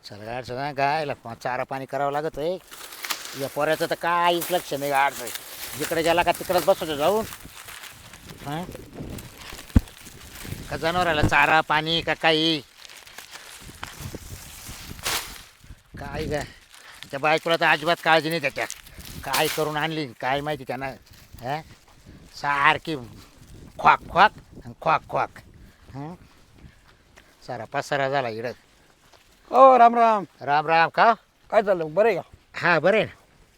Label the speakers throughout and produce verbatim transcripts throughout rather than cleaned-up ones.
Speaker 1: चल गाडचं ना गायला चारा पाणी करावं लागत आहे. या पोऱ्याचं तर काहीच लक्ष नाही गाडचं. जिकडे गेला का तिकडेच बसवतो जाऊन. हां का जनावराला चारा पाणी का काही काय ग त्या बायकोला तर अजिबात काळजी नाही त्याच्या. काय करून आणली काय माहिती त्यांना. हां सारखी ख्वाक ख्वाक आणि ख्वाक ख्वाक. हां सारा पसारा झाला इकडं.
Speaker 2: ओ राम राम.
Speaker 1: राम राम. का
Speaker 2: काय चाललं बरं आहे का?
Speaker 1: हा बरं आहे ना.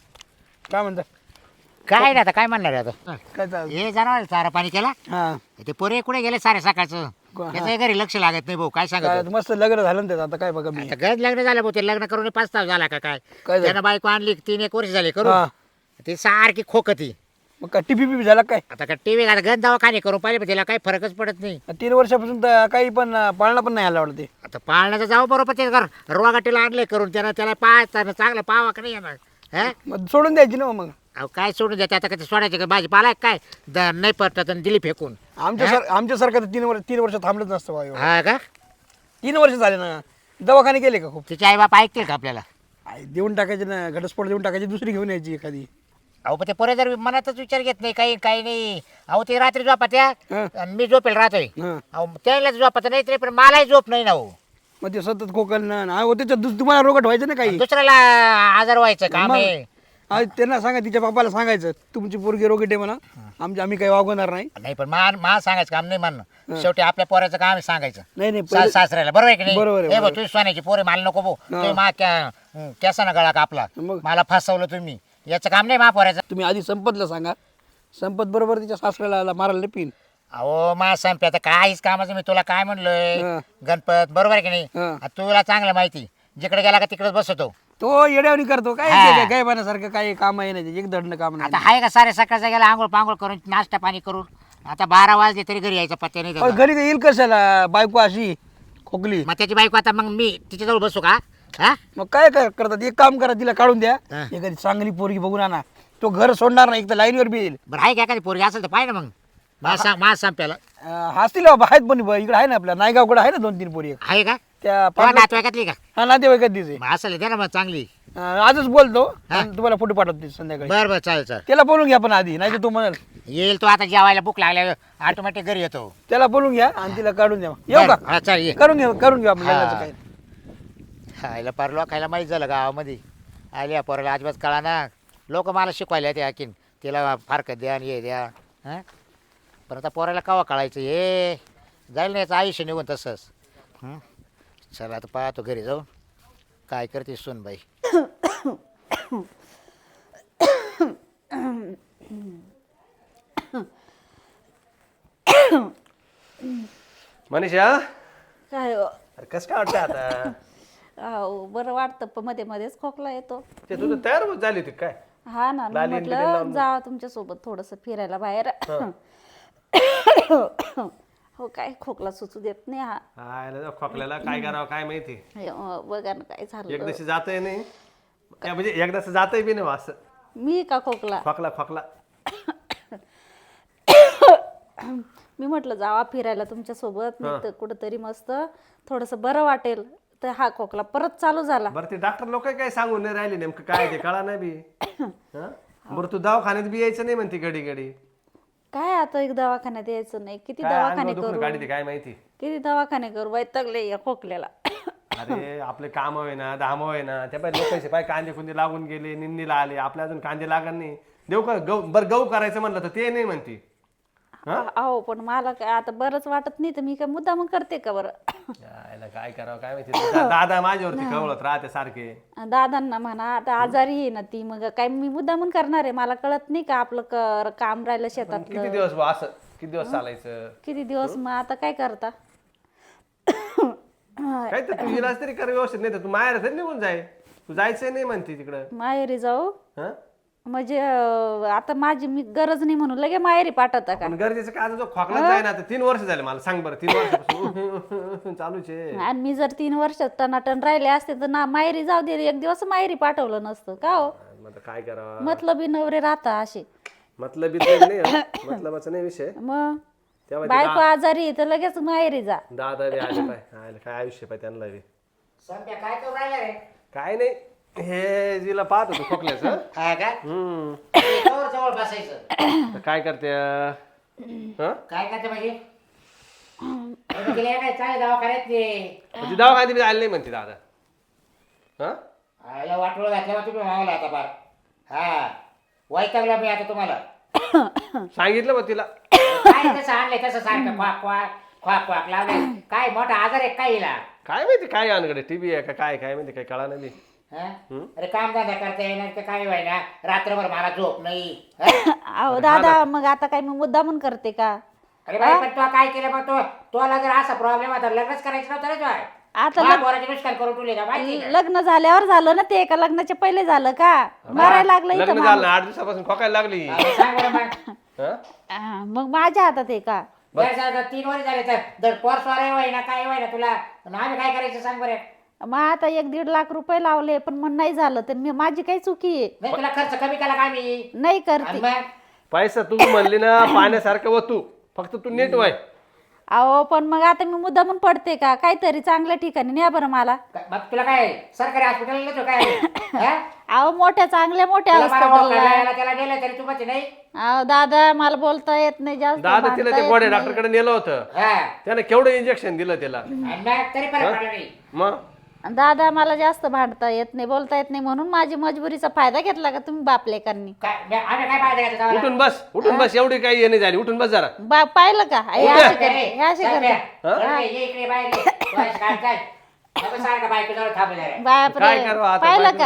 Speaker 2: काय म्हणता?
Speaker 1: काय नाही आता काय म्हणणार आहे आता.
Speaker 2: काय चाललं?
Speaker 1: हे जनावर चारा पाणी केला.
Speaker 2: हा
Speaker 1: ते पोरे कुठे गेले सारे सकाळचं.
Speaker 2: को- हा.
Speaker 1: त्याचं घरी लक्ष लागत नाही भाऊ. काय
Speaker 2: काय
Speaker 1: सांगत
Speaker 2: मस्त लग्न झालं ना त्याचं आता काय बघा मी.
Speaker 1: आता गज लग्न झालं भाऊ. ते लग्न करून पाच तास झाला का काय.
Speaker 2: काय झालं?
Speaker 1: त्यानं बायको आणली तीन एक वर्ष झाले करू.
Speaker 2: हा
Speaker 1: ती सारखी खोकती.
Speaker 2: मग काय टिपी पिपी झाला काय?
Speaker 1: आता का टीव्ही आता गंज दवाखाने करून पाहिले पण तिला काही फरकच पडत नाही.
Speaker 2: तीन वर्षापासून तर काही पण अं, पाळणा पण नाही आला वाटतं ते.
Speaker 1: आता पाळण्याचं जाऊ बरोबर ते घर रोगाटीला आणले करून त्यानं त्याला पाहायचं चांगलं पावा का नाही येणार. हा
Speaker 2: मग सोडून द्यायची ना मग.
Speaker 1: अहो काय सोडून द्या आता कधी सोडायचे का भाजीपाला आहे काय द नाही पडतात आणि दिली फेकून.
Speaker 2: आमच्या सर आमच्यासारखं तर तीन वर्ष तीन वर्ष थांबलंच नसतं बा एवढं.
Speaker 1: हा का
Speaker 2: तीन वर्ष झाले ना. दवाखाने गेले का खूप?
Speaker 1: तिचे आई बाप ऐकतील का आपल्याला.
Speaker 2: आई, देऊन टाकायचे ना घटस्फोट देऊन टाकायची दुसरी घेऊन यायची एखादी.
Speaker 1: अहो पण ते पोरे जर मनातच विचार घेत नाही काही काही नाही. अहो ते रात्री झोपा त्या
Speaker 2: हा
Speaker 1: आणि मी झोपेल राहतोय.
Speaker 2: हा
Speaker 1: अहो त्याला झोपत नाही तरी पण मलाही झोप नाही ना हो.
Speaker 2: मग ते सतत खोकलणं ना हो त्याच्यात दुस- तुम्हाला रोगट व्हायचं ना काही.
Speaker 1: दुसऱ्याला आजार व्हायचं काम
Speaker 2: मग.
Speaker 1: आहे.
Speaker 2: आज त्यांना सांगा तिच्या बापाला सांगायचं तुमची पोरगी रोगट आहे म्हणा. आमची आम्ही काही वागवणार नाही.
Speaker 1: नाही पण मा मा सांगायचं काम नाही म्हणणं. शेवटी आपल्या पोराचं काम आहे सांगायचं.
Speaker 2: नाही नाही
Speaker 1: सा-
Speaker 2: पहिले-
Speaker 1: सासऱ्याला बरोबर आहे की नाही.
Speaker 2: बरोबर आहे,
Speaker 1: हे भाऊ
Speaker 2: बरोबर.
Speaker 1: तुम्ही सोन्याची पोरे मला नको भाऊ. तुम्ही मा कॅसा ना गळा कापला
Speaker 2: मग.
Speaker 1: मला फसवलं तुम्ही. याचं काम नाही मा पोराचं.
Speaker 2: तुम्ही आधी संपतला सांगा. संपत बरोबर तिच्या सासऱ्याला मारायला नाही पिन.
Speaker 1: अहो मा संपे आता काहीच कामाचं मी तुला काय म्हणलोय.
Speaker 2: हा.
Speaker 1: गणपत बरोबर आहे की नाही.
Speaker 2: हा.
Speaker 1: आता तुला चांगलं माहिती जिकडे गेला का तिकडेच बसवतो.
Speaker 2: तो येड्यावणी करतो काय
Speaker 1: हा.
Speaker 2: ते काय काय पाण्यासारखं काही काम आहे नाही एक दडणं काम
Speaker 1: आता
Speaker 2: नाही.
Speaker 1: आहे का सारे सकाळचा गेला आंघोळ पांघोळ करून नाश्ता पाणी करून आता बारा वाजले तरी घरी यायचा पत्त्या नाही
Speaker 2: पण
Speaker 1: त्याचा.
Speaker 2: घरी येईल कशाला बायको अशी खोकली.
Speaker 1: मग त्याची बायको आता मग मी तिच्याजवळ बसू का. हा
Speaker 2: मग काय कर- करतात एक काम करा तिला काढून द्या.
Speaker 1: हा.
Speaker 2: एखादी चांगली पोरगी बघून आणा. तो घर सोडणार नाही एक तर लाईनवर बी येईल.
Speaker 1: बरं आहे का एखादी पोरगी असेल तर पाहिजे ना मग. मा सांग मा संप्याला
Speaker 2: अं, हसतील बाबा आहेत पण इकडे आहे ना आपल्या नायगावकडे आहे ना दोन तीन पोरी
Speaker 1: आहे का
Speaker 2: त्या
Speaker 1: तुला
Speaker 2: पाटला-
Speaker 1: नातवाईकातली का.
Speaker 2: हा नातेवाईकात दिसे.
Speaker 1: मग असेल दे ना मग चांगली.
Speaker 2: आजच बोलतो
Speaker 1: हा.
Speaker 2: आणि तुम्हाला फोटो पाठवते संध्याकाळी.
Speaker 1: बरं बरं चालेल चालेल.
Speaker 2: त्याला बोलून घ्या पण आधी नाही तर तो म्हणाल.
Speaker 1: येईल तो आता जेवायला भूक लागल्या ऑटोमॅटिक घरी येतो.
Speaker 2: त्याला बोलून घ्या आणि तिला काढून द्या. येऊ
Speaker 1: बरं,
Speaker 2: का?
Speaker 1: हा चालेल ये.
Speaker 2: करून घ्या करून घेऊ आपण
Speaker 1: हा.
Speaker 2: लग्नाचं काय.
Speaker 1: खायला पार लोकायला माहीत झालं गावामध्ये. आल्या पोराला अजिबात कळा ना. लोक मला शिकवायला ते हाकीन तिला फारकत द्या आणि हे द्या. हां पण आता पोराला कवा कळायचं हे जाईल ना याचं आयुष्य निघून तसंच. हं? चला आता पाहतो घरी जाऊन काय करते सुनबाई.
Speaker 3: मनीषा
Speaker 4: काय हो?
Speaker 3: अरे कसं काय वाटतं आता.
Speaker 4: अहो, बरं वाटतं पण मध्ये मध्येच खोकला येतो.
Speaker 3: ते तुझं तयार होत झाली होती काय.
Speaker 4: हा ना मी
Speaker 3: लाली आणि बिलीला
Speaker 4: म्हटलं
Speaker 3: लावून
Speaker 4: जा तुमच्या सोबत थोडस फिरायला बाहेर. हो काय खोकला सुचू देत नाही हा.
Speaker 3: हायला खोकल्याला काय करावं काय माहिती.
Speaker 4: हे, अं, बघा ना काय झालं.
Speaker 3: एकदाशी जातही नाही त्या म्हणजे एकदाच जातही बी नाही असं
Speaker 4: मी का खोकला
Speaker 3: खोकला खोकला.
Speaker 4: मी म्हटलं जावा फिरायला तुमच्या सोबत नाही तर कुठंतरी मस्त थोडस बरं वाटेल. तर हा खोकला परत चालू झाला.
Speaker 3: बरं ते डॉक्टर लोक काय सांगून नाही राहिले नेमकं काय ते कळा नाही बी. हं? बरं तू दवाखान्यात बी यायचं नाही म्हणते घडी घडी.
Speaker 4: काय आता एक दवाखान्यात यायचं नाही. किती
Speaker 3: काय
Speaker 4: दवाखाने
Speaker 3: अंगावर दुखणं
Speaker 4: करू
Speaker 3: काढी ते काय माहिती.
Speaker 4: किती दवाखाने करू वैतागले या खोकल्याला.
Speaker 3: अरे आपले काम होय ना धाम होय ना त्या पाय लोकांचे पाय कांदे कुंदे लागून गेले निंदीला आले आपल्या अजून कांदे लागत नाही. देऊ का गहू बरं गहू करायचं म्हणलं तर ते नाही म्हणते.
Speaker 4: अहो पण मला काय आता बरंच वाटत नाही तर मी काय मुद्दा मग करते का बरं.
Speaker 3: यायला काय करावं काय माहिती. दा- दादा माझ्यावरती कवळत राहते सारखे.
Speaker 4: दादांना म्हणा आता आजारी आहे ना ती मग काय मी मुद्दा म्हणून करणार आहे. मला कळत नाही का आपलं कर काम राहिलं
Speaker 3: किती
Speaker 4: शेतातलं
Speaker 3: दिवस बुवा असं किती दिवस चालायचं.
Speaker 4: किती दिवस मग आता काय करता.
Speaker 3: काय तर तू इलाज तरी कर व्यवस्थित नाही तर तू माहेर तरी निघून जाय. तू जायचंय नाही म्हणते तिकडं.
Speaker 4: माहेरी जाऊ
Speaker 3: हं?
Speaker 4: म्हणजे अं, आता माझी मी गरज नाही म्हणून लगे माहेरी पाठवता का.
Speaker 3: पण गरजेचं काय आता जो खोकला जाय ना आता तीन वर्ष झाले मला सांग बरं तीन वर्षापासून चालूच आहे.
Speaker 4: आणि मी जर तीन वर्षात टनाटन राहिले असते तर ना माहेरी जाऊ दे एक दिवस माहेरी पाठवलं नसतं का हो.
Speaker 3: मग आता काय करावं.
Speaker 4: मतलबी नवरे राहता असे.
Speaker 3: मतलब नाही हं. मतलबाचा नाही विषय.
Speaker 4: मग
Speaker 3: तेव्हा ते
Speaker 4: बायको आजारी आहे तर लगेच माहेरी जा.
Speaker 3: दादा बी आले पाय आले काय आयुष्य पाय त्यांना बी.
Speaker 1: संध्या काय करू राहिला रे?
Speaker 3: काय नाही हे जिला पाहत होतो खोकल्याचं.
Speaker 1: हा का?
Speaker 3: हम्म
Speaker 1: जवळ जवळ बसायचं.
Speaker 3: तर काय करते हं?
Speaker 1: काय करते म्हणजे? अरे गेले काय चांगले दवाखान्यात ते.
Speaker 3: ती दवाखान्यात बी आली नाही म्हणते दादा. हा
Speaker 1: आयला वाटोळं घातल्यावर तुम्ही मावला आता बार. हा वैतागला मी आता तुम्हाला.
Speaker 3: सांगितलं मग तिला.
Speaker 1: काय तसं आणलंय तसं सारखं क्वाक क्वाक क्वाक क्वाक लावलंय. काय मोठा आजार आहे काय हिला?
Speaker 3: काय माहिती काय अनकडे टीव्ही आहे का काय काय माहिती काय कळा नाही.
Speaker 1: हा? अरे काम धंदा करता येणार तर काय व्हायना रात्रभर मला झोप नाही. हा?
Speaker 4: अहो दादा मग आता काय मी मुद्दा म्हणून करते का?
Speaker 1: अरे बाई पण तू काय केलं मग तो तोला जर असा प्रॉब्लेम होता लग्नच करायचं नव्हतं रे तुला.
Speaker 4: आता
Speaker 1: मला
Speaker 4: लग-
Speaker 1: पोराचे नुकसान करून ठेवले का माहिती आहे का?
Speaker 4: लग्न झाल्यावर झालं ना ते का लग्नाच्या पहिले झालं का? मरायला लागलं
Speaker 3: लग्न
Speaker 4: इथं
Speaker 3: झालं
Speaker 4: माणूस.
Speaker 3: ना, आठ दिवसापासून खोकायला लागली.
Speaker 1: अरे सांग बरं मग.
Speaker 3: हं?
Speaker 4: हा, मग माझ्या हातात आहे का?
Speaker 1: जर समजा तीन वर्ष झाले तर जर पोर स्वार व्हायना काय व्हायना तुला आणि आम्ही काय करायचं सांग बरं.
Speaker 4: मग आता एक दीड लाख रुपये लावले पण मग नाही झालं तर मी माझी काही चुकी आहे.
Speaker 1: नाही तुला खर्च कमी केला का मी?
Speaker 4: नाही
Speaker 1: आणि
Speaker 4: करते.
Speaker 1: मग
Speaker 3: पैसा तू म्हणली ना पाण्यासारखं व तू फक्त तू नीट व्हाय.
Speaker 4: अहो पण मग आता मी मुद्दा म्हणून पडते का? काहीतरी चांगल्या ठिकाणी न्या बरं मला.
Speaker 1: मग तुला काय सरकारी हॉस्पिटल नेतो काय? हा?
Speaker 4: अहो मोठ्या चांगल्या मोठ्या
Speaker 1: तुला मला
Speaker 4: हॉस्पिटलला.
Speaker 1: मोकळ्याला त्याला नेलं तरी तू म्हणते नाही.
Speaker 4: अहो दादा मला बोलता येत नाही जास्त.
Speaker 3: दादा
Speaker 4: भांडता
Speaker 3: तिला ते
Speaker 4: येत
Speaker 3: गोड्या
Speaker 4: नाही.
Speaker 3: डॉक्टरकडे नेलं होतं.
Speaker 1: हा
Speaker 3: त्याने केवढं इंजेक्शन दिलं त्याला.
Speaker 1: आणि मग तरी फरक पडला नाही.
Speaker 3: मग
Speaker 4: दादा मला जास्त भांडता येत नाही बोलता येत नाही म्हणून माझी मजबुरीचा फायदा घेतला का तुम्ही बापलेकांनी?
Speaker 1: काय मी- आम्ही काय पाहिजे का तुला?
Speaker 3: उठून बस उठून बस एवढी काही येणे झाली. उठून बस जरा.
Speaker 4: बा पाहिलं का हे
Speaker 3: उद्या.
Speaker 4: असे करते हे असे करते.
Speaker 1: ये इकडे बाहेर ये. तू अशी काय काय? नको सारखं बायको जवळ थांबू जरा.
Speaker 4: बापरे
Speaker 3: काय करावं आता
Speaker 4: पाहिलं
Speaker 3: बायको?
Speaker 4: का?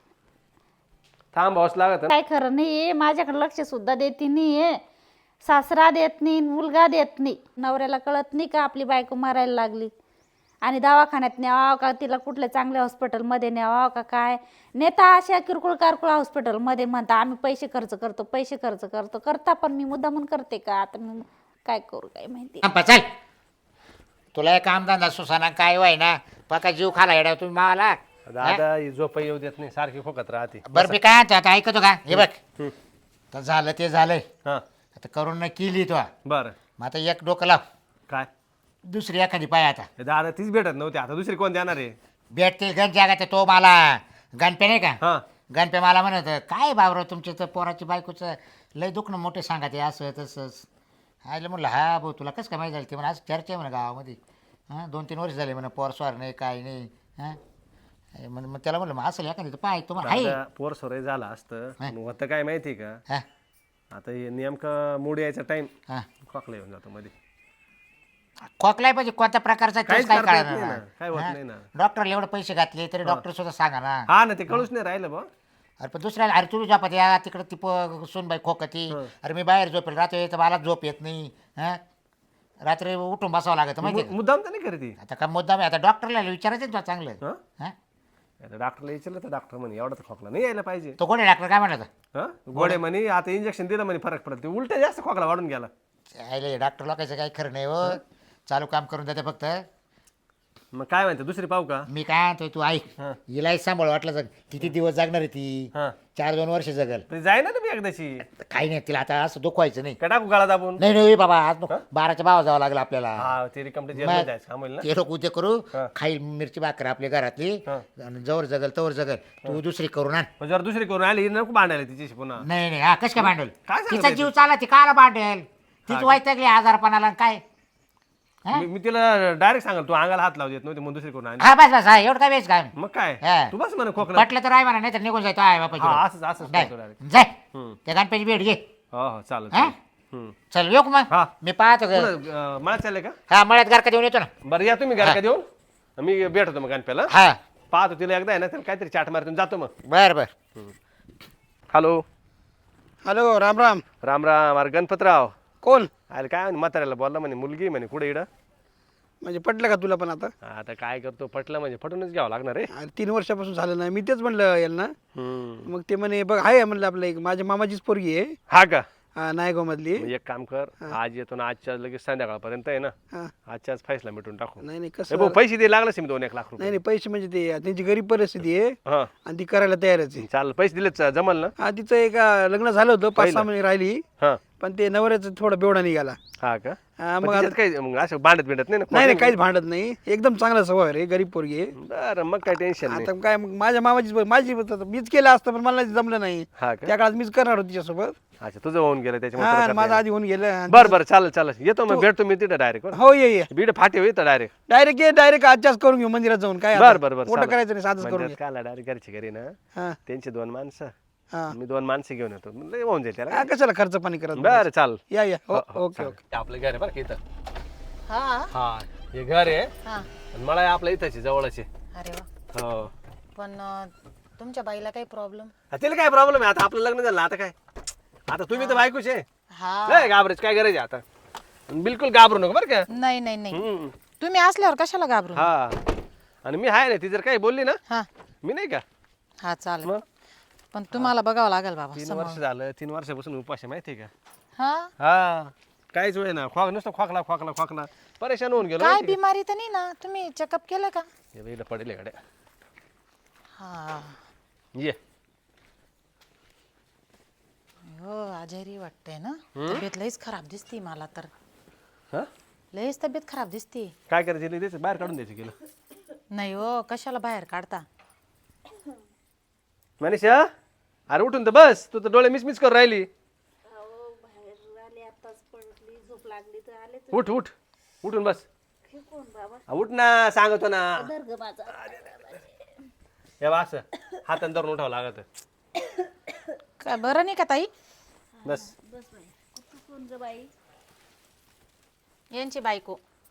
Speaker 3: थांब भाऊस लागत.
Speaker 4: काय खरं नाही माझ्याकडे लक्ष सुद्धा देते नाही. सासरा देत नाही मुलगा देत नाही. नवऱ्याला कळत नाही का आपली बायको मारायला लागली आणि दवाखान्यात न्यावं का तिला कुठल्या चांगल्या हॉस्पिटलमध्ये न्यावं का काय? नेता अशा किरकोळ कारकोळ हॉस्पिटलमध्ये म्हणता आम्ही पैसे खर्च करतो पैसे खर्च करतो करता पण मी मुद्दा म्हणून करते का? आता मी काय करू काय माहिती.
Speaker 1: थांब, चल तुला एक काम धंदा सुसाना काय व्हाय ना पका जीव खाला येडा तुम्ही मावाला.
Speaker 3: दादा ही झोप येऊ देत नाही सारखी खोकत राहते.
Speaker 1: बरं मी काय आता ऐकतो का हे बघ तर झालं ते झालंय
Speaker 3: हा
Speaker 1: आता करून न केली तो
Speaker 3: बर
Speaker 1: मग आता एक डोकं लाव
Speaker 3: काय
Speaker 1: दुसरी एखादी पाय आता
Speaker 3: हे दादा तीच भेटत नव्हती आता दुसरी कोण देणार आहे.
Speaker 1: भेटतील गण जागा तो मला गणपे नाही का
Speaker 3: हा
Speaker 1: गणपे मला म्हणत काय बाबराव तुमच्या तर पोराची बायकोचं लय दुखणं मोठे सांगा ते असं तसंच. आयलं म्हणलं हा भाऊ तुला कसं काय माहिती झालं ते म्हणा आज चर्चा आहे म्हणा गावामध्ये हां दोन तीन वर्ष झाले म्हणा पोर स्वार नाही काय नाही हां मग मग त्याला म्हणलं मग असं एखादी तर पाय तुम्हाला आहे
Speaker 3: दादा पोर सोरे झालं असतं पण होतं काय माहिती का
Speaker 1: हां
Speaker 3: आता हे नेमकं मूड यायचा टाइम
Speaker 1: हां
Speaker 3: खोकला येऊन जातो मध्ये.
Speaker 1: खोकलाय पाहिजे कोणत्या प्रकारचा
Speaker 3: काहीच
Speaker 1: काय
Speaker 3: करता येत
Speaker 1: कळणार
Speaker 3: नाही
Speaker 1: नाही.
Speaker 3: ना, काय होत
Speaker 1: हां?
Speaker 3: नाही ना.
Speaker 1: डॉक्टरला एवढे पैसे घातले तरी डॉक्टर सुद्धा सांगा ना.
Speaker 3: हा ना ते कळूच नाही राहिलं बा.
Speaker 1: अरे पण दुसऱ्याला अरे तुम्ही झोपत या तिकडे ती प- सूनबाई खोकती अरे मी बाहेर झोपेल रात्री तर मला झोप येत नाही हां रात्री उठून बसावं लागतं माहिती आहे
Speaker 3: मुद्दाम तर नाही करते.
Speaker 1: का? आता का मुद्दा आता डॉक्टरला विचारायचं ना तुला चांगलं
Speaker 3: हा
Speaker 1: हां
Speaker 3: आता डॉक्टरला विचारलं तर डॉक्टर म्हणे एवढा तर खोकला नाही यायला पाहिजे.
Speaker 1: तो कोणी डॉक्टर काय म्हणत
Speaker 3: हा गोडे म्हणे आता इंजेक्शन दिलं म्हणे फरक पडत उलट जास्त खोकला वाढून गेला.
Speaker 1: होता डॉक्टर लोकांचं काही खरं नाही हो चालू काम करून देते फक्त.
Speaker 3: मग काय म्हणते दुसरी पाहू का.
Speaker 1: मी काय म्हणतोय तू ऐक
Speaker 3: हां.
Speaker 1: हिलाही सांभाळ वाटलं जग किती दिवस जगणार आहे ती
Speaker 3: हा
Speaker 1: चार दोन वर्ष जगल
Speaker 3: ते जाय ना तुम्ही एकदाशी
Speaker 1: काही नाही तिला आता असं दुखवायचं नाही.
Speaker 3: का टाकू गाळा दाबून.
Speaker 1: नाही नाही बाबा आज नको. बाराच्या भावा जावं लागलं आपल्याला
Speaker 3: हा ते रिकमटे जेल
Speaker 1: मग
Speaker 3: जायचं हा म्हणलं ना.
Speaker 1: ते लोक उद्या करू
Speaker 3: हा.
Speaker 1: खाईल मिरची भाकर आपल्या घरातली
Speaker 3: हा.
Speaker 1: आणि जवळ जगल तवर जगल तू दुसरी करून आण.
Speaker 3: मग जर दुसरी करून आली नको भांडायला तिच्याशी पुन्हा.
Speaker 1: नाही नाही हा कश काय भांडल
Speaker 3: काय सांगत
Speaker 1: तिचा
Speaker 3: आहे
Speaker 1: जीव चाला ती काला भांडेल तीच वाईटगली आजारपणाला आणि काय हा?
Speaker 3: मी मी तिला डायरेक्ट सांगाल तू अंगाला हात लावू देत नव्हती मग दुसरी करून आली.
Speaker 1: हा बस बस हा एवढं काय वेच काय
Speaker 3: मग काय
Speaker 1: हा.
Speaker 3: तू बस म्हणा खोकला.
Speaker 1: पटलं तर आहे म्हणा नाही तर निघून जायचं आहे
Speaker 3: हा
Speaker 1: बापा
Speaker 3: असंच असंच करतो direct.
Speaker 1: जाय
Speaker 3: हम्म.
Speaker 1: त्या गणपती भेट घे
Speaker 3: हो हो चालेल
Speaker 1: हा?
Speaker 3: हम्म.
Speaker 1: चल येऊ का मग
Speaker 3: हा.
Speaker 1: मी पाहतो ग.
Speaker 3: पुढं, अं, मला चाललंय का
Speaker 1: हा मळ्यात गारका देऊन येतो ना
Speaker 3: बरं या तुम्ही घरा का देऊन मी भेटतो मग गणप्याला
Speaker 1: हा
Speaker 3: पाहतो तिला एकदा आहे ना त्याला काहीतरी चाट मारतून जातो मग.
Speaker 1: बर बर
Speaker 3: हॅलो
Speaker 2: हॅलो राम राम.
Speaker 3: राम राम अरे गणपतराव
Speaker 2: कोण
Speaker 3: अरे काय म्हणे म्हाताऱ्याला बोलला म्हणे मुलगी म्हणे कुठे इडं.
Speaker 2: म्हणजे पटलं का तुला पण आता?
Speaker 3: आता काय करतो पटलं म्हणजे पटूनच घ्यावं लागणार आहे.
Speaker 2: अरे तीन वर्षापासून झालं नाही मी तेच म्हणलं यांना.
Speaker 3: हम्म.
Speaker 2: मग ते म्हणे बघ आहे म्हणलं आपलं एक माझ्या मामाचीच पोरगी आहे
Speaker 3: हा का
Speaker 2: हा, नायगाव मधली.
Speaker 3: मग एक काम कर आज येतो ना आजच्या लगेच संध्याकाळपर्यंत आहे ना
Speaker 2: हा.
Speaker 3: आजच्याच फैसला मिटून टाकू.
Speaker 2: नाही नाही
Speaker 3: ए
Speaker 2: कसं
Speaker 3: भाऊ पैसे दे लागलाच मी दोन एक लाख
Speaker 2: नाही
Speaker 3: रुपये.
Speaker 2: नाही पैसे म्हणजे ते त्यांची गरीब परिस्थिती आहे
Speaker 3: हा
Speaker 2: आणि ती करायला तयारच आहे.
Speaker 3: चालेल पैसे दिलेच जमल ना.
Speaker 2: हा तिचं एक अं, लग्न झालं होतं पाच सहा महिने राहिली
Speaker 3: हा
Speaker 2: पण ते नवऱ्याचं थोडं बेवडा निघाला.
Speaker 3: हा का
Speaker 2: हा,
Speaker 3: मग
Speaker 2: मग
Speaker 3: त्याच्यात काही मग असं भांडत बिंडत नाही ना
Speaker 2: नाही नाही काहीच भांडत नाही, एकदम चांगला स्वभाव आहे रे, गरीब पोरगी आहे.
Speaker 3: बरं मग काय टेन्शन नाही.
Speaker 2: आता काय मग माझ्या मामाचीच माझी मीच केलं असतं पण मला जमलं नाही.
Speaker 3: हा का
Speaker 2: त्या काळात मीच करणार होतो तिच्यासोबत.
Speaker 3: अच्छा तुझं होऊन गेलं
Speaker 2: हा
Speaker 3: त्याच्यामुळे
Speaker 2: माझं आधी होऊन गेलं.
Speaker 3: बरं बरं चालेल चालेल येतो मग भेटतो मी तिथे डायरेक्ट
Speaker 2: हो ये ये
Speaker 3: बीड फाटे होईल डायरेक्ट.
Speaker 2: डायरेक्ट ये डायरेक्ट आजच्याच करून घेऊ मंदिरात जाऊन. काय
Speaker 3: बरं बरं बरं
Speaker 2: मोठं
Speaker 3: चालेल.
Speaker 2: करायचं नाही, साधच करून
Speaker 3: म्हणजे
Speaker 2: घे.
Speaker 3: काय डायरेक्ट घरची घरी ना
Speaker 2: हा
Speaker 3: त्यांची दोन माणसं
Speaker 2: हा
Speaker 3: मी दोन माणसं घेऊन येतो लय होऊन जाईल त्याला.
Speaker 2: हा, कशाला खर्च पाणी करत
Speaker 3: बरं चाल
Speaker 2: या या हो ओके ओके.
Speaker 3: आपलं घर आहे बरं का इथं.
Speaker 5: हा
Speaker 3: हा हे घर आहे
Speaker 5: हा
Speaker 3: आणि मला आहे आपलं इथंच आहे, जवळच आहे.
Speaker 5: अरे वा
Speaker 3: हो
Speaker 5: पण अं, तुमच्या बाईला काही प्रॉब्लेम?
Speaker 3: हा, तिला काय प्रॉब्लेम आहे आता आपलं लग्न झालं आता काय आता तुम्ही तर बायकोच आहे.
Speaker 5: हा
Speaker 3: नाही घाबरायची काय गरज आहे आता आणि बिलकुल घाबरू नको बरं का.
Speaker 5: नाही नाही नाही
Speaker 3: हम्म.
Speaker 5: तुम्ही असल्यावर कशाला घाबरू?
Speaker 3: हा आणि मी आहे ना ती जर काही बोलली ना
Speaker 5: हा
Speaker 3: मी नाही का
Speaker 5: हा चालेल
Speaker 3: मग
Speaker 5: पण तुम्हाला बघावं लागेल बाबा
Speaker 3: तीन
Speaker 5: समोर.
Speaker 3: वर्ष झालं तीन वर्षापासून उपास आहे माहिती आहे का.
Speaker 5: हा
Speaker 3: हा काहीच वेळ ना खोक नुसतं खोकला खोकला खोकला परेशान होऊन गेलो
Speaker 5: काय
Speaker 3: माहिती आहे
Speaker 5: बिमारी तर नाही ना? तुम्ही चेकअप केलं का?
Speaker 3: का? हे बाईला पडेल आहे गाड्या
Speaker 5: हा
Speaker 3: ये
Speaker 5: हो आजारी वाटतंय ना. तब्येत लईच खराब दिसती मला तर.
Speaker 3: हा
Speaker 5: लईच तब्येत खराब दिसती.
Speaker 3: काय करायचं द्यायचं बाहेर काढून द्यायचं गेलं.
Speaker 5: नाही हो कशाला बाहेर काढता?
Speaker 3: मनीषा अरे उठून तर बस तू तर डोळे मिस मिस करून राहिली. उठ उठ उठून बस. हा, उठ ना सांगतो ना. हे बा असं हातानं धरून उठावं लागत.
Speaker 5: काय बरं नाही का ताई?
Speaker 3: बस
Speaker 5: यांची बायको.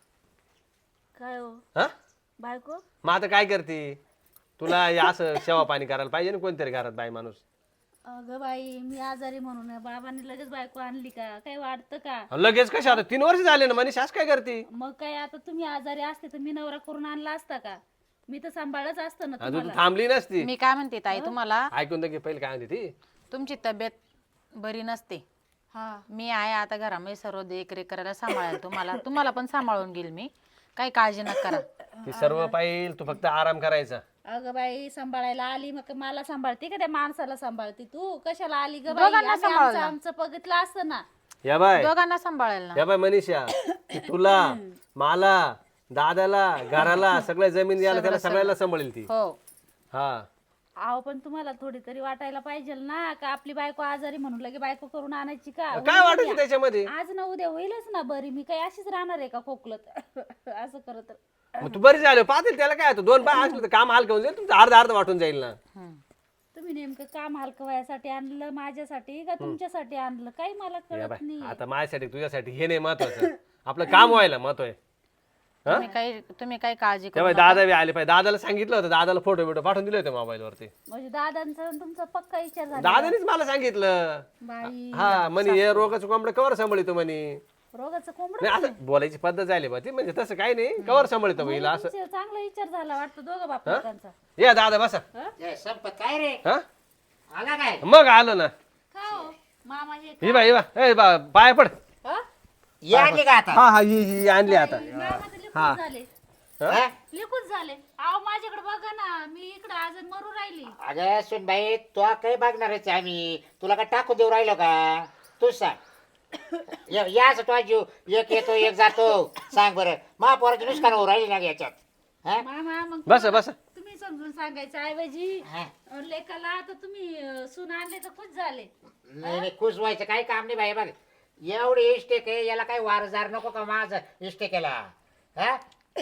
Speaker 4: काय हो
Speaker 3: हा
Speaker 4: बायको?
Speaker 3: मग आता काय करते तुला हे असं सेवा पाणी करायला पाहिजे ना कोणतरी घरात बाई माणूस.
Speaker 4: अगं बाई मी आजारी म्हणून आहे. बाबांनी लगेच बायको आणली का? काही वाटतं का?
Speaker 3: लगेच कशा आता तीन वर्ष झाले ना मनीष असं काय करते.
Speaker 4: मग काय आता तुम्ही आजारी असते तर मी नवरा करून आणला असता का? मी तर सांभाळच असतं ना
Speaker 3: अजून
Speaker 4: तुम्हाला.
Speaker 3: थांबली नसती.
Speaker 5: मी काय म्हणते ताई तुम्हाला,
Speaker 3: ऐकून तर घे पहिले काय म्हणते ती.
Speaker 5: तुमची तब्येत बरी नसते.
Speaker 4: हा
Speaker 5: मी आहे आता घरामध्ये सर्व देखरेख करायला सांभाळेल तुम्हाला. तुम्हाला पण सांभाळून घेईल मी. काही काळजी नका करा.
Speaker 3: ती सर्व पाहिजे तू फक्त आराम करायचा.
Speaker 4: अगं बाई सांभाळायला आली मग मला सांभाळते का त्या माणसाला सांभाळते? तू कशाला आली ग बाई?
Speaker 5: दोघांना
Speaker 4: आम्ही आमचं
Speaker 5: सांभाळलं.
Speaker 4: आमचं बघितलं असतं ना.
Speaker 3: या बाय
Speaker 5: दोघांना सांभाळेल ना.
Speaker 3: या बाय मनीषा ती तुला मला दादाला घराला सगळ्या जमीन द्यायला त्याला सगळ्याला सांभाळेल ती.
Speaker 5: हो
Speaker 3: हा
Speaker 4: अहो पण तुम्हाला थोडी तरी वाटायला पाहिजे ना का आपली बायको आजारी म्हणून लगे बायको करून आणायची का?
Speaker 3: काय वाटायचं त्याच्यामध्ये.
Speaker 4: आज ना उद्या होईलच ना बरी. मी काही अशीच राहणार आहे का खोकलत असं करत?
Speaker 3: मग तू बरी झाली पाहतील त्याला काय होतं. दोन पाय असलं तर काम हलकं होऊन जाईल तुमचं अर्ध अर्ध वाटून जाईल ना.
Speaker 4: तुम्ही नेमकं काम हलकं वयासाठी आणलं माझ्यासाठी का तुमच्यासाठी आणलं काही मला
Speaker 3: या
Speaker 4: कळत
Speaker 3: बाय
Speaker 4: नाही.
Speaker 3: आता माझ्यासाठी तुझ्यासाठी हे नाही महत्वाचं आपलं काम व्हायला महत्व आहे.
Speaker 5: तुम्ही काही तुम्ही काही काळजी करू
Speaker 3: तेव्हा दादा बी आले पाहिजे. दादाला सांगितलं होतं दादाला फोटो बिटो पाठवून दिले होते मोबाईल वरती.
Speaker 4: म्हणजे दादांचा आणि तुमचा पक्का विचार झाला
Speaker 3: दादानेच मला सांगितलं.
Speaker 4: बाई.
Speaker 3: हा म्हणे हे रोगाचं कोंबडं कवर सांभाळतो म्हणे.
Speaker 4: रोगाचं कोंबड
Speaker 3: नाही असं बोलायची पद्धत झाली बा ती म्हणजे तसं काही नाही कवर सांभाळतो महिला असं.
Speaker 4: चांगला विचार झाला वाटतं दोघं बापांचा.
Speaker 3: या दादा बसा.
Speaker 1: संपत काय रे
Speaker 3: हा
Speaker 1: आला काय?
Speaker 3: मग आलो ना.
Speaker 4: का हो मामा हे
Speaker 3: ही बा ही बा ए बा पाय पड.
Speaker 4: हा?
Speaker 1: ये आणली का आता?
Speaker 3: हा हा ही ही आणली आता.
Speaker 4: मामा तर लिकून झाले
Speaker 1: हा?
Speaker 4: लिकून झाले. अहो माझ्याकडे बघा ना मी इकडे आज मरू राहिली.
Speaker 1: अगं सुनबाई तू काही बघणारच आहे आम्ही. तुला काय टाकू देऊ राहिलो का? तूच सांग. या- याच तो जीव एक येतो एक जातो. सांग बरं महापौराची नुसकान होऊ राहिली ना ग याच्यात. हा?
Speaker 4: मामा मग
Speaker 3: बसा बसा.
Speaker 4: तुम्ही समजून सांगायचं ऐवजी
Speaker 1: हा.
Speaker 4: लेकाला आता तुम्ही अं, सून आणले तर खुश झाले.
Speaker 1: नाही नाही खुश व्हायचं काही काम नाही बाई. बघ एवढी इष्टेक आहे याला काही वारजार नको का माझं इष्टेकेला? हा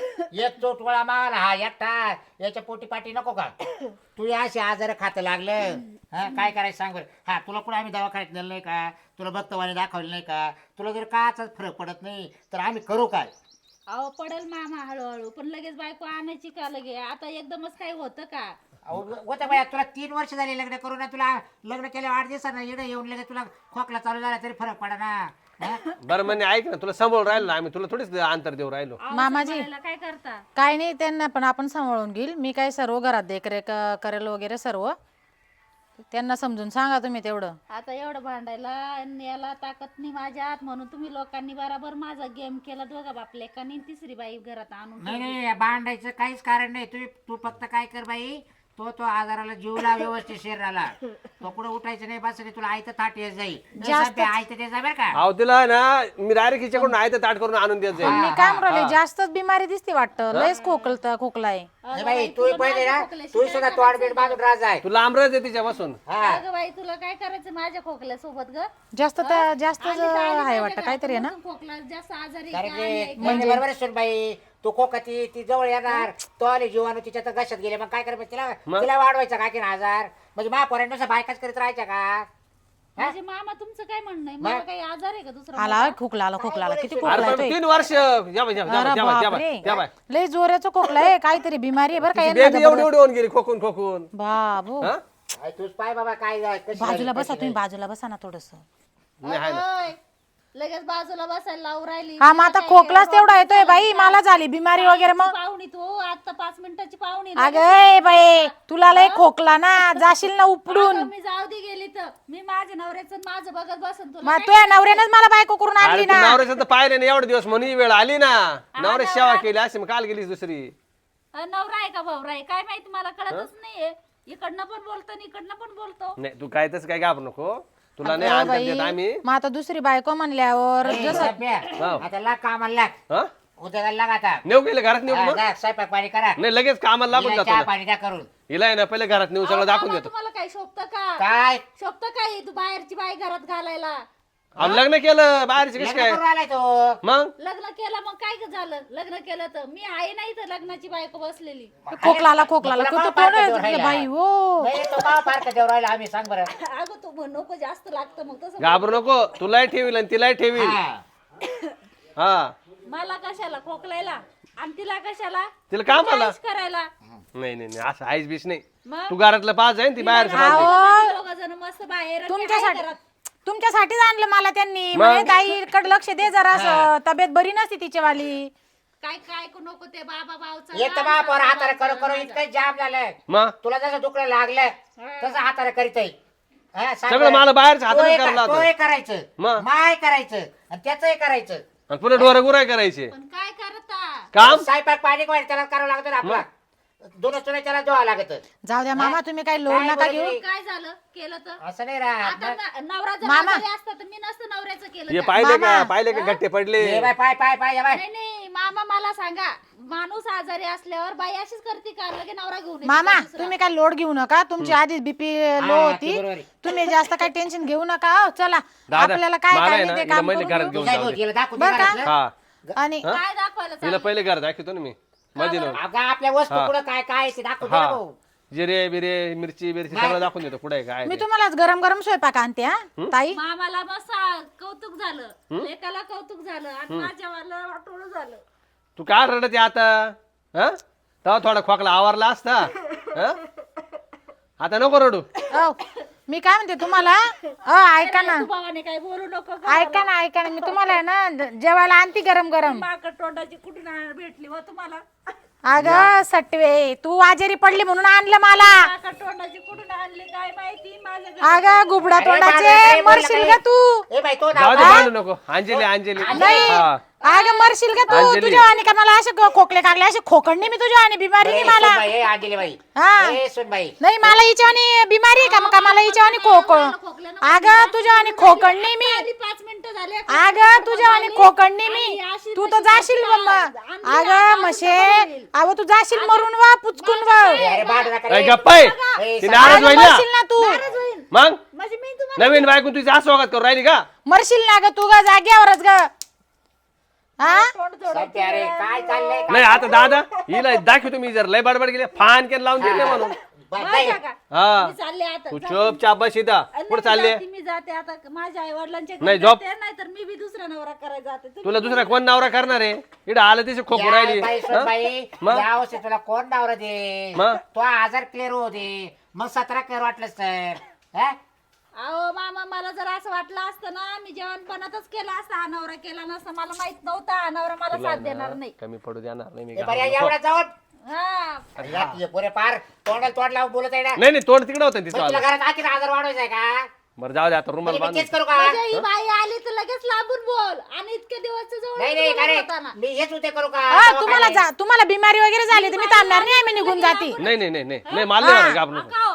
Speaker 1: एक चोटवळा माल हा एकटा याच्या पोटी पाटी नको का? तू या अशी आजार खातं लागलं. हा काय करायचं सांग बरं. हा तुला कुठे आम्ही दवाखान्यात नेलं नाही का? तुला बघतवाने दाखवलं नाही का? तुला जर काचाच फरक पडत नाही तर आम्ही करू काय?
Speaker 4: अहो पडेल मामा हळूहळू पण लगेच बायको आणायची का लगे? आता एकदमच काही होतं का?
Speaker 1: होतं बाया तुला तीन वर्ष झाली लग्न करून ना. तुला लग्न केल्या आठ दिवसांना येणं येऊन लगेच तुला खोकला चालू झाला तरी फरक पडा ना.
Speaker 3: बरं म्हणे ऐक ना तुला सांभाळून राहिलो ना आम्ही तुला थोडीच अंतर देऊ राहिलो.
Speaker 4: अहो,
Speaker 5: मामाजी.
Speaker 4: सांभाळायला काय करता?
Speaker 5: काय नाही त्यांना पण आपण सांभाळून घेईल. मी काय सर्व घरात देखरेख अं, करेल वगैरे सर्व. त्यांना समजून सांगा तुम्ही तेवढं.
Speaker 4: आता एवढं भांडायला आणि याला ताकद नाही माझ्यात म्हणून तुम्ही लोकांनी बराबर माझा गेम केला. दोघा बाप लेकांनी तिसरी बाई घरात आणून
Speaker 1: नाही नाही भांडायचं काहीच कारण नाही. तू तू फक्त काय कर बाई तो तो आजाराला जीवला व्यवस्थित शरीराला तो कुठं उठायचं नाही बस तुला आयतं ताट येत जाईल
Speaker 5: जास्त-
Speaker 1: आयतं ते जाईल बरं का
Speaker 3: अहो तिला ना मी डायरेक्ट हिच्याकडून आहे ताट करून आणून देत जाईल
Speaker 5: मी काय म्हणले जास्तच बिमारी दिसते वाटतं लयच खोकलत खोकला आहे
Speaker 1: नाही बाई तू पहिले ना तू सुद्धा तोड बीड बांधून राज आहे
Speaker 3: तू लांब राहते तिच्यापासून
Speaker 1: हा
Speaker 4: अगं बाई तुला काय करायचं माझ्या खोकल्यासोबत ग
Speaker 5: जास्त तर जास्तच
Speaker 4: आली तर आली
Speaker 5: आहे
Speaker 4: माहिती
Speaker 5: वाटतं
Speaker 4: का?
Speaker 5: काहीतरी आहे ना
Speaker 4: तू खोकला जास्त आजारी
Speaker 1: कारण
Speaker 4: का आणि
Speaker 1: की म्हणजे बरोबर आहे बाई तू कोकती ती जवळ येणार तो आली जीवाणू तिच्या तर घशात गेले मग काय करायचं तिला तिला वाढवायचा का की आजार म्हणजे महापोरांनुसार बायकाच करीत राहायच्या का
Speaker 4: म्हणजे मामा तुमचं काय म्हणणं आहे मला काही आजार आहे का दुसरा
Speaker 5: आला खोकला आला खोकला आला किती खोकला
Speaker 3: अरे पण
Speaker 5: येतोय
Speaker 3: तीन वर्ष या बाई, या बाई, या बाई,
Speaker 5: अरे
Speaker 3: या बाई, या बाई,
Speaker 5: बापरे.
Speaker 3: या बाई.
Speaker 5: लय जोराचा खोकला आहे काहीतरी बिमारी आहे बरं का यांना
Speaker 3: बेबी एवढी
Speaker 5: जबरदस्त.
Speaker 3: एवढी होऊन गेली खोकून खोकून
Speaker 5: बाबू
Speaker 3: हा?
Speaker 1: अरे तूच पाय बाबा काय झालं, कशी झाली,
Speaker 5: बाजूला
Speaker 1: कशी
Speaker 5: बसा तुम्ही
Speaker 1: नाही.
Speaker 5: बाजूला बसा ना थोडस
Speaker 3: नाही आहे ना.
Speaker 4: ओय, लगेच बाजूला बसायला लावून राहिली
Speaker 5: हा मग आता खोकलाच तेवढा येतोय बाई मला झाली बिमारी वगैरे मग
Speaker 4: पाहुणी तू आता पाच मिनिटाची पाहुणी
Speaker 5: अगं बाई तुला लय खोकला ना जाशील ना उपडून
Speaker 4: अगं, मी जाऊ दे गेली तर मी माझ्या नवऱ्याचं आणि माझं बघत बसन तुला
Speaker 5: मग तुझ्या नवऱ्यानंच मला बायको करून
Speaker 3: अरे
Speaker 5: आणली
Speaker 3: तू
Speaker 5: ना
Speaker 3: नवऱ्याचं तर पाहिले ना एवढे दिवस म्हणून ही वेळ आली ना नवऱ्या सेवा केली अशी मग काल गेलीस दुसरी
Speaker 4: अ, नवरा आहे का भावरा आहे काय माहिती मला कळतच नाहीये इकडनं पण बोलतो आणि इकडनं पण बोलतो
Speaker 3: नाही तू काय तसं काय घाबरू नको तुला नाही
Speaker 5: अगं
Speaker 3: आणतात
Speaker 5: बाई,
Speaker 3: देत आम्ही
Speaker 5: मग आता दुसरी बायको म्हणल्यावर
Speaker 1: ए,
Speaker 5: जसं
Speaker 1: सभ्या,
Speaker 3: हो.
Speaker 1: आता लाग कामाला लाग
Speaker 3: हा
Speaker 1: उद्या लाग आता
Speaker 3: नेऊ गेले घरात नेऊ
Speaker 1: हा,
Speaker 3: मग
Speaker 1: जा, स्वयंपाक पाणी करा
Speaker 3: नाही लगेच कामाला लागून
Speaker 1: हिला
Speaker 3: जातो
Speaker 1: चहा
Speaker 3: ना.
Speaker 1: पाणी द्या करून
Speaker 3: हिला आहे ना पहिले घरात नेऊ सगळं
Speaker 4: अहो,
Speaker 3: दाखवून
Speaker 4: मामा,
Speaker 3: देतो
Speaker 4: तुम्हाला काय शोभतं का
Speaker 1: काय
Speaker 4: शोभतं काय तू बाहेरची बाई घरात घालायला
Speaker 3: अहो, लग्न केलं बाहेरची कशी
Speaker 1: लग्न
Speaker 3: काय
Speaker 1: करून आलाय तो
Speaker 3: मग
Speaker 4: लग्न केलं मग काय ग झालं लग्न केलं तर मी आहे नाही तर लग्नाची बायको बसलेली
Speaker 5: खोकलाला खोकलाला
Speaker 1: तुला
Speaker 5: कुठं
Speaker 1: काय
Speaker 5: कोण
Speaker 1: पाहतो
Speaker 5: आहे
Speaker 1: राहिला?
Speaker 5: बाई हो
Speaker 1: नाही, तो का फार का राहिला आम्ही सांग बरं
Speaker 4: अगं तू म्हण नको जास्त लागतं मग तसं
Speaker 3: घाबरू नको तुलाही ठेवील आणि तिलाही ठेवील
Speaker 1: हा.
Speaker 3: हा
Speaker 4: मला कशाला खोकलायला आणि तिला कशाला
Speaker 3: तिला काम आला
Speaker 4: काहीच करायला
Speaker 3: नाही नाही नाही, असं आईस बीस नाही
Speaker 4: मग
Speaker 3: तू घरातलं पाच आहे ती बाहेरचं पाच आहे.
Speaker 5: अहो
Speaker 4: दोघ जण मस्त बाहेर आणि
Speaker 5: तुमच्यासाठी
Speaker 4: आहे घरात.
Speaker 5: तुमच्यासाठीच आणलं मला त्यांनी म्हणे ताईकडे लक्ष दे जरा असं तब्येत बरी नसती तिच्यावाली
Speaker 4: काय काय ऐकू नको ते बाबा भावचा
Speaker 1: येत बा पोर हाताने करू करू इतकं जाम झालं
Speaker 3: मग
Speaker 1: तुला जसं दुखणं लागलं तसं हाताने करीत आहे. हा, सांग
Speaker 3: सगळं
Speaker 1: बरं.
Speaker 3: मला बाहेरचं हाताने
Speaker 1: तोही
Speaker 3: करायला
Speaker 1: कर-
Speaker 3: लावतं.
Speaker 1: तोही करायचं
Speaker 3: मग?
Speaker 1: माय करायचं आणि त्याचंही करायचं
Speaker 3: आणि पुन्हा डोरे गुराय करायचे
Speaker 4: पण काय करता
Speaker 3: काम
Speaker 1: स्वयंपाक पाणी वाढ त्याला करावं लागतं ना आपला दोन तुला त्याला जोवा लागत
Speaker 5: जाऊ द्या मामा तुम्ही काही लोड
Speaker 1: काय
Speaker 5: नका
Speaker 1: बोलत
Speaker 5: घेऊ
Speaker 1: नाही.
Speaker 4: काय झालं केलं तर
Speaker 1: असं नाही राहत
Speaker 4: आता न- नवरा जर
Speaker 5: मामा.
Speaker 4: आजारी असता तर मी नसतं नवऱ्याचं केलं
Speaker 3: हे
Speaker 4: का?
Speaker 3: पाहिले का
Speaker 5: मामा.
Speaker 3: पाहिले का गट्टे पडले
Speaker 1: ये बाय पाय पाय पाय ये बाय
Speaker 4: नाही नाही मामा मला सांगा माणूस आजारी असल्यावर बाई अशीच करते का लगे नवरा घेऊन येते
Speaker 5: मामा
Speaker 4: का दुसरा?
Speaker 5: तुम्ही काय लोड घेऊ नका तुमची आधीच बीपी लो
Speaker 1: हा,
Speaker 5: होती
Speaker 1: ते बरोबर आहे.
Speaker 5: तुम्ही जास्त काही टेन्शन घेऊ नका हो, चला
Speaker 3: दादा,
Speaker 5: आपल्याला काय
Speaker 3: मला
Speaker 5: काय
Speaker 3: आहे
Speaker 5: नाही
Speaker 3: ना,
Speaker 5: ते
Speaker 3: हिला
Speaker 5: काम
Speaker 3: मैले
Speaker 5: करून
Speaker 3: घरात
Speaker 5: घेऊ.
Speaker 3: घेऊन
Speaker 1: तुझ्या
Speaker 3: जाऊ दे.
Speaker 1: भाऊजीला दाखवून
Speaker 5: बरं
Speaker 1: दे
Speaker 5: का?
Speaker 1: घरातलं.
Speaker 3: हा
Speaker 4: काय
Speaker 3: हा?
Speaker 4: दाखवायला
Speaker 3: हिला
Speaker 4: चाललं?
Speaker 3: पहिले घर दाखवतो ना मी मध्ये नेऊन
Speaker 1: अगं आपल्या वस्तू
Speaker 3: हा.
Speaker 1: कुठं काय काय आहे ते दाखवून दे ना
Speaker 3: हा
Speaker 1: भाऊ.
Speaker 3: जिरे बिरे मिरची बिरची सगळं दाखवून देतो कुठे काय
Speaker 5: मी
Speaker 3: ते.
Speaker 5: तुम्हाला गरम गरम स्वयंपाक आणते हा ताई
Speaker 4: मामाला बस कौतुक झालं लेकाला कौतुक झालं आणि माझ्या मला वाटोळं झालं
Speaker 3: तू काय रडते आता हा तेव्हा थोडा खोकला आवारला असता हा? आता नको रडू
Speaker 5: औ, मी काय म्हणते तुम्हाला अ ऐका ना
Speaker 4: तू भावाने काय बोलू नको
Speaker 5: ऐका ना ऐका ना मी तुम्हाला आहे ना जेवायला आणते गरम गरम
Speaker 4: माकड तोंडाची कुठून आ- भेटली व तुम्हाला
Speaker 5: अगं सटवे तू आजारी पडली म्हणून आणलं मला
Speaker 4: माकड तोंडाची कुठून आणली काय माहिती माझ्या घरी-
Speaker 5: अगं गुबडा
Speaker 1: अरे
Speaker 5: तोंडाचे
Speaker 1: बाबा, बोलला
Speaker 5: मरशील
Speaker 1: काय?
Speaker 5: का तू
Speaker 1: ए बाई तो
Speaker 3: जाऊ
Speaker 1: नाव
Speaker 3: दे भांडू नको अंजली अंजली
Speaker 5: नाही
Speaker 3: हा
Speaker 5: अगं मरशील का तू
Speaker 3: अंजली.
Speaker 5: तुझ्या आणि का मला असे खो- खोकले कागले असे खोकडणे मी तुझ्या आणि बिमारी नाही मला
Speaker 1: बाई अंजली बाई
Speaker 5: हा.
Speaker 1: ए सुन बाई
Speaker 5: नाही मला हिच्या आणि बिमारी आहे का मग का मला हिच्या आणि खोक अगं तुझ्या आणि खोकडणे मी
Speaker 4: आली पाच मिनिटं झाले
Speaker 5: अगं तुझ्या आणि खोकडणे मी
Speaker 4: अशी
Speaker 5: तू तर
Speaker 4: तशी
Speaker 5: जाशील
Speaker 4: करतात.
Speaker 5: मम्मा
Speaker 4: आणली
Speaker 5: अगं
Speaker 4: आता
Speaker 5: म्हशे
Speaker 4: असं करेल.
Speaker 5: अगं तू जाशील मरून वा पुचकून वा
Speaker 1: अरे भांडू नका रे.
Speaker 3: अरे गप्पा आहे
Speaker 1: ए,
Speaker 3: ती
Speaker 1: सांग.
Speaker 3: नाराज
Speaker 5: अगं
Speaker 3: होईल ना
Speaker 5: मरशील ना तू
Speaker 3: मग
Speaker 4: म्हणजे मी तुम्हाला
Speaker 3: नवीन बायकून तुझी असं वागत करू राहिली का
Speaker 5: मरशील ना ग तू ग जाग्यावरच ग हा
Speaker 4: तोंड जोडायचं.
Speaker 1: सध्या रे काय चाललंय काय
Speaker 3: नाही आता दादा हिला दाखवतो मी जर लय बडबड गेले फान केलं लावून दिले म्हणून
Speaker 1: बाई,
Speaker 4: माझ्या
Speaker 1: जाय.
Speaker 4: का?
Speaker 3: हा
Speaker 4: मी चालले आता
Speaker 3: तू
Speaker 4: जाते.
Speaker 3: चोप चाप बस इथं
Speaker 4: नाही,
Speaker 3: कुठं चालले
Speaker 4: जाते, मी जाते आता माझ्या आई वडिलांच्या
Speaker 3: नाही, झोप.
Speaker 4: नाही तर मी बी दुसरा नवरा करायला जाते तुम्ही-
Speaker 3: तुला दुसरा कोण नवरा करणार आहे इकडं आलं तिथे खोकू
Speaker 1: या
Speaker 3: राहिली
Speaker 1: बाई, सुन
Speaker 3: हा?
Speaker 1: बाई
Speaker 3: मग?
Speaker 1: या वर्षी तुला कोण डावर दे
Speaker 3: मग?
Speaker 1: तो आजार क्लिअर होऊ दे मग सतरा कर वाटलंच तर हा?
Speaker 4: अहो मामा मला जर असं वाटलं असतं ना मी जेवणपणातच केला असता हा नवरा केला नसता मला माहित नव्हता हा नवरा मला साथ देणार नाही
Speaker 3: कमी पडू देणार नाही मी
Speaker 1: ए, बरं,
Speaker 3: घाबरलो.
Speaker 1: एवढा जाऊन
Speaker 4: हा
Speaker 1: अरे या, ये पोरे पार तोंडाला तोंड लावून बोलत आहे ना
Speaker 3: नाही नाही तोंड तिकडे होतं
Speaker 1: मग
Speaker 3: तिथं
Speaker 1: तुला
Speaker 3: आलं.
Speaker 1: घरात आखीर आजार वाढवायचा आहे का
Speaker 3: बरं जाऊ दे आता रुमाल
Speaker 1: म्हणजे मी
Speaker 3: बांधून
Speaker 1: तेच करू का
Speaker 4: म्हणजे ही बाई आली तर लगेच लांबून बोल आणि इतके दिवस जवळ
Speaker 1: नाही नाही का रे
Speaker 4: होताना.
Speaker 1: मी हेच उद्या करू का
Speaker 5: हा,
Speaker 1: तेव्हा
Speaker 5: तुम्हाला
Speaker 1: काय?
Speaker 5: जा तुम्हाला बिमारी वगैरे झाली तर मी थांबणार नाही आम्ही निघून जाते
Speaker 3: नाही नाही नाही नाही नाही मला नाही घाबरू नको.
Speaker 4: अकाव,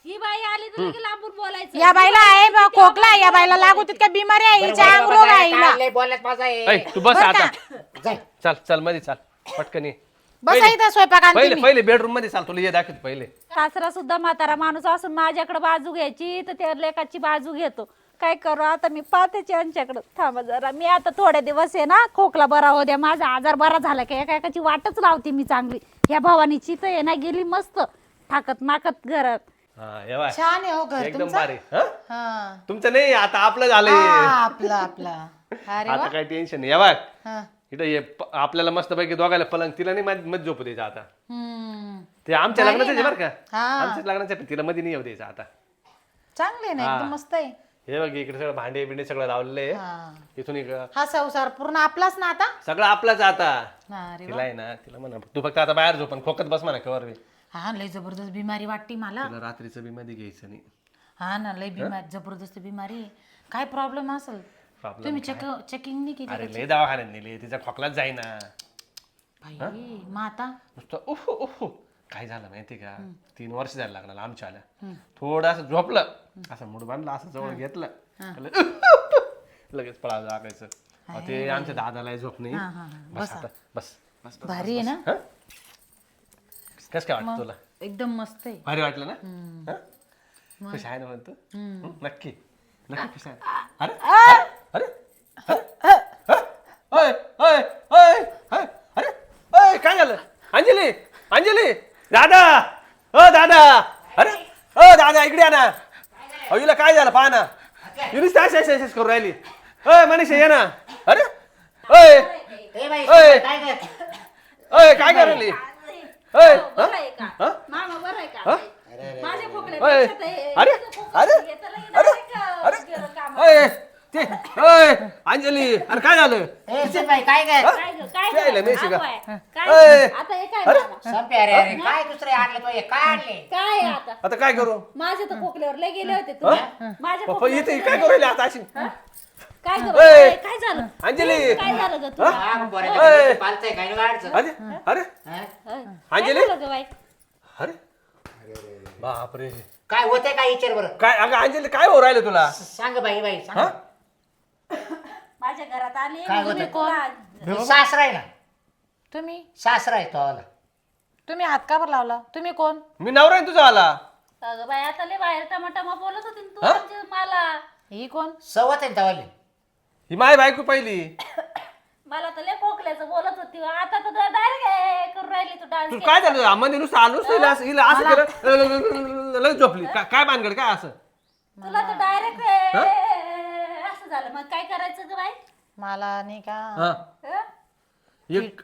Speaker 4: ही बाई आली तुला की लांबून बोलायचं.
Speaker 5: या बाईला आहे बा खोकला, या बाईला लागू तितक्या बिमारी आहे, हिच्या अंग रोग आहे हिला.
Speaker 1: बोलण्यात माझा आहे
Speaker 3: ऐ, तू बस आता
Speaker 1: जाय.
Speaker 3: चल चल मध्ये चाल पटकन ये.
Speaker 5: बसा इथं स्वयंपाक आणते
Speaker 3: पहिले
Speaker 5: मी.
Speaker 3: पहिले बेडरूम मध्ये चाल तुला ये दाखवत पहिले.
Speaker 4: सासरा सुद्धा म्हातारा माणूस असून माझ्याकडे बाजू घ्यायची तर त्या लेकाची बाजू घेतो. काय करू आता मी पाहतेच यांच्याकडे. थांबा जरा मी आता थोडे दिवस आहे ना खोकला बरा हो द्या, माझा आजार बरा झाला की एका एकाची वाटच लावते मी चांगली. ह्या भवानीची तर आहे ना गेली मस्त ठाकत माकत घरात.
Speaker 3: हा ये बाय.
Speaker 5: छान आहे हो घर
Speaker 3: एकदम
Speaker 5: तुमचं.
Speaker 3: भारी. हा?
Speaker 5: हा.
Speaker 3: तुमचं नाही आता आपलं झालंय.
Speaker 5: हा, आपला आपला. अरे
Speaker 3: आता
Speaker 5: वा.
Speaker 3: काही टेन्शन नाही. या बघ
Speaker 5: हा.
Speaker 3: इथं ये प- आपल्याला मस्त पैकी दोघायला पलंग, तिला नाही मध्ये मध्ये झोपू द्यायचं आता.
Speaker 5: हम्म.
Speaker 3: ते आमच्या
Speaker 5: भारी
Speaker 3: लग्नाचं
Speaker 5: ना.
Speaker 3: बरं का,
Speaker 5: हा.
Speaker 3: आमच्याच लग्नाचं आहे, पण तिला मध्ये नाही येऊ द्यायचं आता.
Speaker 5: चांगले ना एकदम मस्त आहे.
Speaker 3: हे बघ इकडे सगळं भांडे बिंडे सगळं लावलेलं आहे.
Speaker 5: हा.
Speaker 3: इथून इकडं
Speaker 5: हा संसार पूर्ण आपलाच ना आता.
Speaker 3: सगळं आपलाच आता.
Speaker 5: हा, अरे वा.
Speaker 3: तिला आहे ना, तिला म्हणा तू फक्त आता बाहेर झोप आणि खोकत बस म्हणा कवर बी.
Speaker 5: हा लय जबरदस्त बिमारी वाटते मला.
Speaker 3: तिला रात्रीचं बी मध्ये घ्यायचं नाही.
Speaker 5: हा ना लय बिमारी जबरदस्त बिमारी आहे. काय प्रॉब्लेम असेल
Speaker 3: Problem
Speaker 5: तुम्ही चेक चेकिंग नाही केली
Speaker 3: अरे
Speaker 5: त्याची?
Speaker 3: लय दवाखान्यात नेली, तिचा खोकलाच जाईना.
Speaker 5: बाई मग आता
Speaker 3: नुसतं उफ उफ. काय झालं माहिती का, तीन वर्ष जायला लागणार आमच्या आल्या. थोडं झोपलं असं मूड बांधलं असं जवळ घेतलं लगेच पळा जागायचं. अहो, ते आमच्या दादाला झोप नाही. बस आता बस बस बस.
Speaker 5: भारी आहे ना.
Speaker 3: कस काय वाटतं तुला?
Speaker 5: एकदम मस्त आहे.
Speaker 3: भारी वाटलं ना? हं? कशी आहे ना म्हणतो? हं? नक्की नक्की कशी आहे? अरे अरे अरे अय, अय, अय, अय, अरे अय, काय झालं? अंजली अंजली दादा अ दादा अरे अ दादा इकडे या ना. अहो हिला काय झालं पहा ना, युनिस करून राहिली. अय मनीषा ये ना. अरे अय
Speaker 1: ए बाई,
Speaker 3: अय
Speaker 1: काय काय
Speaker 3: अय काय करायली? अय
Speaker 4: बरं आहे का
Speaker 3: हं?
Speaker 4: मामा बरं आहे
Speaker 3: हं?
Speaker 4: का? माझ्या
Speaker 3: अय
Speaker 4: खोकल्यापेक्षा तर हे-
Speaker 3: अरे
Speaker 4: तुझं खोकलं
Speaker 3: अरे
Speaker 4: येतं लई
Speaker 3: अरे
Speaker 4: direct,
Speaker 3: अरे
Speaker 4: गेलं कामात.
Speaker 3: अय ते अय अंजली अरे काय झालं?
Speaker 1: ए बाई काय काय
Speaker 4: काय गं, काय
Speaker 3: काय
Speaker 4: गं?
Speaker 3: नाही शिका.
Speaker 4: आगो आहे.
Speaker 3: अय.
Speaker 4: काय आता हे काय
Speaker 3: अरे.
Speaker 4: मामा?
Speaker 1: संपे अरे अरे काय दुसरे आणले तो हे काय आणले?
Speaker 4: काय आहे आता
Speaker 3: आता काय करू?
Speaker 4: माझे तर खोकल्यावर लय गेले होते तुम्ही माझ्या
Speaker 3: पप्पा
Speaker 4: खोकल्यावर
Speaker 3: इथे काय करू राहिली आता अशी?
Speaker 4: काय गं
Speaker 3: अय.
Speaker 4: बाई, काय झालं
Speaker 3: अंजली
Speaker 4: काय झालं गं तुला
Speaker 1: हा, मग बरं
Speaker 3: अय.
Speaker 1: आहे. पालतंय काय नाही वाढचं.
Speaker 3: अरे अरे
Speaker 1: हं?
Speaker 4: काय
Speaker 3: अंजली
Speaker 4: झालं गं बाई
Speaker 3: अरे बापरे
Speaker 1: काय होतंय काय विचार बरं.
Speaker 3: काय अगं अंजली काय हो राहिलं तुला?
Speaker 1: सांग बाई बाई सांग.
Speaker 3: हा?
Speaker 4: माझ्या घरात आले
Speaker 1: काय
Speaker 4: तुम्ही
Speaker 1: होतं?
Speaker 4: कोण
Speaker 1: मी सासरा आहे ना,
Speaker 5: तुम्ही
Speaker 1: सासरा आहे तो आला.
Speaker 5: तुम्ही हात का बरं लावला? तुम्ही कोण?
Speaker 3: मी नवरा आहे तुझा आला.
Speaker 4: अगं बाई आता लय बाहेर टमाटमा बोलत होती ना तू आमच्या मला
Speaker 5: ही कोण?
Speaker 1: सवत आहे ना तवाली.
Speaker 3: ही माय बायको पहिली.
Speaker 4: मला तर लय खोकल्याचं बोलत होती आता तर डायरेक्ट करून राहिली तू डान्स
Speaker 3: तू काय झालं मध्ये नुसतं आलोच नाही हिला असं- हिला असं केलं लगेच झोपली. काय काय भानगड काय असं?
Speaker 4: तुला तर डायरेक्ट असं झालं मग काय करायचं ग बाई
Speaker 5: मला नाही का
Speaker 3: हा
Speaker 4: हं?
Speaker 3: एक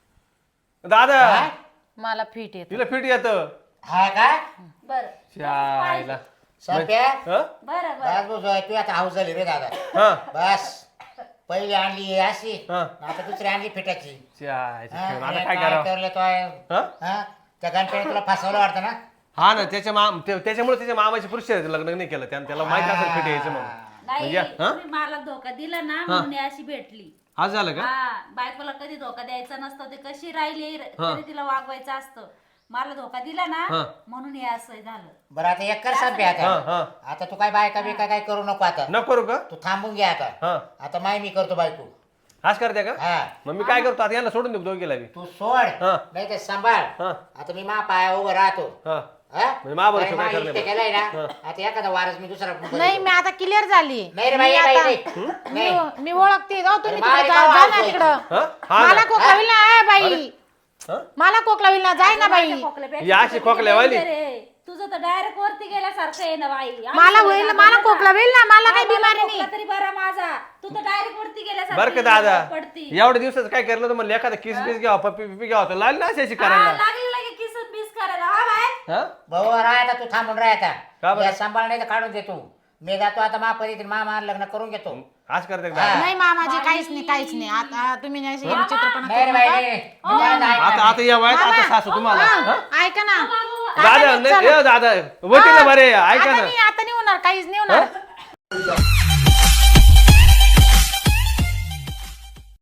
Speaker 3: दादा
Speaker 5: मला फिट येत.
Speaker 3: तिला फिट येत.
Speaker 1: हा काय
Speaker 4: बरं
Speaker 3: शायला
Speaker 1: संप्या
Speaker 3: हं?
Speaker 4: बरं बरं
Speaker 1: बस बस तू आता हाऊस झाली रे दादा.
Speaker 3: हं?
Speaker 1: बस पहिली आणली अशी
Speaker 3: हं.
Speaker 1: आता दुसरी आणली फिटाची.
Speaker 3: शायचं
Speaker 1: हा,
Speaker 3: खेळ. आता
Speaker 1: आणि
Speaker 3: काय
Speaker 1: काय
Speaker 3: करावं?
Speaker 1: करलं तो आहे?
Speaker 3: हं?
Speaker 1: हा? त्या गणपतीने तुला फसवलं वाटतं ना.
Speaker 3: हा ना त्याच्या माम ते- त्याच्यामुळे त्याच्या मामाची पुरुष लग्न नाही केलं त्यानं त्याला माहित असेल फिट यायचं म्हणून.
Speaker 4: नाही
Speaker 3: म्हणजे, हं?
Speaker 4: तुम्ही मला धोका दिला ना म्हणून ही अशी भेटली
Speaker 3: आज झालं का?
Speaker 4: हा बायकोला कधी धोका द्यायचा नसतो ते कशी राहिली तरी तिला वागवायचं असतं मला धोका दिला ना
Speaker 3: हं.
Speaker 4: म्हणून हे असं झालं
Speaker 1: बरं आता एक कर संपे आता.
Speaker 3: हं, हं.
Speaker 1: आता तू काय बायका बिका काय करू नको आता.
Speaker 3: नको करू का?
Speaker 1: तू थांबून घे आता.
Speaker 3: हा
Speaker 1: आता माय मी करतो बायको.
Speaker 3: आज करते का?
Speaker 1: हा
Speaker 3: मग मी काय करतो आता यांना सोडून देऊ दोघीला बी.
Speaker 1: तू सोड
Speaker 3: हा.
Speaker 1: नाही तर सांभाळ.
Speaker 3: हा
Speaker 1: आता मी मा पाया उभं राहतो.
Speaker 3: हा
Speaker 1: हा?
Speaker 3: म्हणजे महाबळेश्वर
Speaker 1: कारण मा
Speaker 3: काय करणार?
Speaker 1: इष्ट केलंय ना आता एखादा वारस मी दुसरा
Speaker 5: नाही मी आता क्लिअर झाली.
Speaker 1: नाही रे बाई
Speaker 5: मी
Speaker 1: बाई,
Speaker 5: आता-
Speaker 1: नाही. नाही.
Speaker 5: मी- मी ओळखते जाऊ तुम्ही
Speaker 1: अरे
Speaker 5: तिकडे
Speaker 1: बाई,
Speaker 5: जा
Speaker 1: गाव
Speaker 5: जा ना
Speaker 1: आवडतोय.
Speaker 5: तिकडं.
Speaker 3: हा? हा
Speaker 5: मला
Speaker 3: ना.
Speaker 5: खोकला होईल ना ए बाई
Speaker 3: हं?
Speaker 5: मला खोकला होईल ना जाय ना बाई.
Speaker 3: या अशी खोकल्यावाली.
Speaker 4: रे तुझं तर डायरेक्ट वरती गेल्यासारखं आहे ना बाई
Speaker 5: मला होईल मला खोकला होईल ना मला काही बिमारी नाही.
Speaker 4: तरी बरा माझा तू तर डायरेक्ट वरती
Speaker 3: बरं का दादा
Speaker 4: गेल्यासारखं पडती
Speaker 3: एवढ्या दिवसाचं काय केलं तर म्हणलं एखादा किस बिस घ्यावा पप्पी पिपी घ्यावा तर लागली ना अशी
Speaker 4: हा,
Speaker 3: करायला.
Speaker 4: लागली लगे किस बीस करायला हा बाय
Speaker 3: हा?
Speaker 1: भाऊ राह आता तू थांबून राह
Speaker 3: का
Speaker 1: आता.
Speaker 3: बरं?
Speaker 1: या सांभाळ नाही तर काढून देतो. मी जातो आता मा परी मामा लग्न करून घेतो.
Speaker 3: आज करते का दादा?
Speaker 5: नाही मामाजी काहीच नाही काहीच नाही आता तुम्ही नाही चित्रपणा
Speaker 1: नाही रे
Speaker 5: करू
Speaker 1: बाई
Speaker 5: नका.
Speaker 1: नाही. मी काय नाही
Speaker 3: आता आता या वयात आता सासू तुम्हाला
Speaker 5: हा,
Speaker 3: हं?
Speaker 5: ऐका ना
Speaker 3: दादा नाही ए, दादा होती ना बरे ऐका
Speaker 5: आता
Speaker 3: ना.
Speaker 5: नाही आता नाही होणार काहीच नाही होणार.